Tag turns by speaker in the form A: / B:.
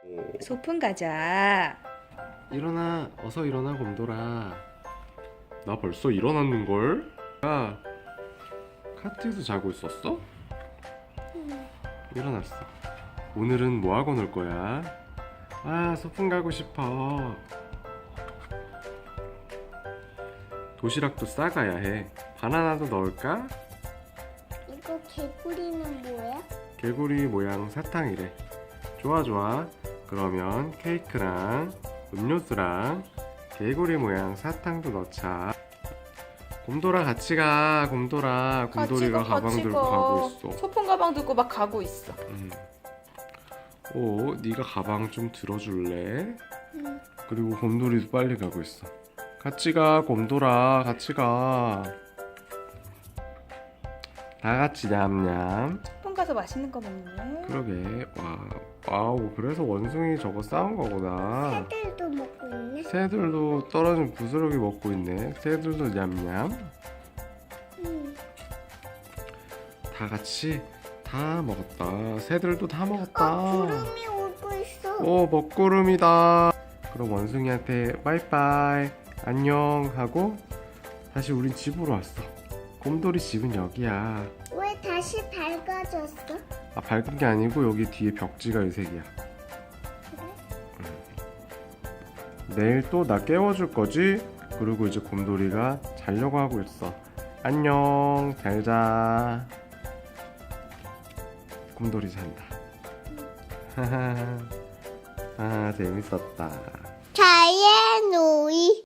A: 소풍 가자.
B: 일어나, 어서 일어나 곰돌아. 나 벌써 일어났는걸? 야, 카트에서 자고 있었어? 일어났어. 오늘은 뭐 하고 놀 거야? 아, 소풍 가고 싶어. 도시락도 싸가야 해. 바나나도 넣을까?
C: 이거 개구리는 뭐야?
B: 개구리 모양 사탕이래. 좋아 좋아. 그러면 케이크랑 음료수랑 개구리 모양 사탕도 넣자. 곰돌아 같이 가. 곰돌아. 곰돌이가 가방 들고 가고 있어.
A: 소풍 가방 들고 막 가고 있어.
B: 오, 네가 가방 좀 들어줄래?
C: 응.
B: 그리고 곰돌이도 빨리 가고 있어. 같이 가, 곰돌아. 같이 가. 다 같이 냠냠.
A: 소풍 가서 맛있는 거 먹네.
B: 그러게. 와우. 그래서 원숭이 저거 싸운 거구나.
C: 새들도 먹고 있네.
B: 새들도 떨어진 부스러기 먹고 있네. 새들도 냠냠.
C: 응.
B: 다 같이 다 먹었다. 새들도 다 먹었다.
C: 구름이 오고 있어.
B: 오, 먹구름이다. 그럼 원숭이한테 빠이빠이 안녕 하고 다시 우린 집으로 왔어. 곰돌이 집은 여기야.
C: 왜 다시 밝아졌어?
B: 아, 밝은 게 아니고 여기 뒤에 벽지가 의색이야. 내일 또 나 깨워줄 거지? 그리고 이제 곰돌이가 자려고 하고 있어. 안녕, 잘 자. 곰돌이 잔다. 하하. 아, 재밌었다.
C: 자의 놀이.